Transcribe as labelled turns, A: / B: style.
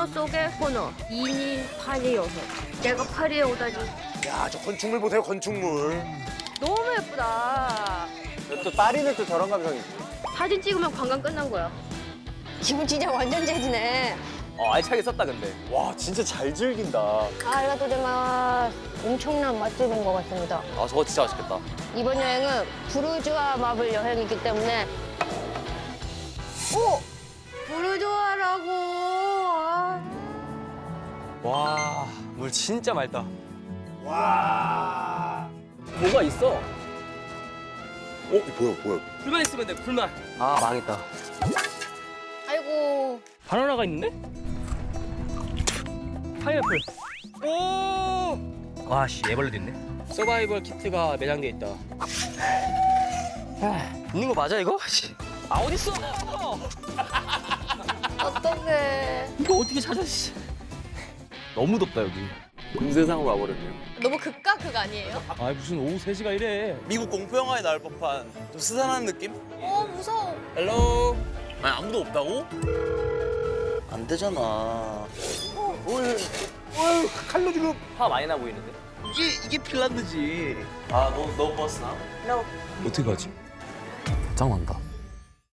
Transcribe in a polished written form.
A: 코너 속의 코너. 2니 8이 6. 내가 8위에 오다니.
B: 야, 저 건축물 보세요, 건축물.
A: 너무 예쁘다.
C: 또 파리는 또 저런 감성이지.
A: 사진 찍으면 관광 끝난 거야.
D: 기분 진짜 완전 재지네.
E: 알차게 썼다 근데.
C: 와, 진짜 잘 즐긴다.
D: 아리가토제마스. 엄청난 맛집인 것 같습니다.
E: 아 저거 진짜 맛있겠다.
D: 이번 여행은 부르주아 마블 여행이기 때문에 오!
A: 부르주아라고. 아.
E: 와, 물 진짜 맑다. 와. 뭐가 있어?
B: 뭐야.
E: 불만 있으면 돼, 불만. 아, 망했다.
D: 아이고.
E: 바나나가 있는데? 파인애플. 오! 와, 씨, 애벌레도 있네. 서바이벌 키트가 매장돼 있다. 있는 거 맞아, 이거? 아, 어딨어?
D: 어떡해.
E: 이거 어떻게 찾아, 씨. 너무 덥다, 여기.
C: 금세상으로 와버렸네요.
D: 너무 극과 극 아니에요?
E: 아, 무슨 오후 3시가 이래.
F: 미국 공포 영화에 나올 법한 좀 스산한 느낌?
D: 무서워.
E: 헬로.
F: 아니 아무도 없다고? 안 되잖아.
B: 칼로 지금.
E: 화 많이 나 보이는데?
F: 이게 핀란드지. 아, 너 버스나?
E: 어떻게 가지? 짱난다.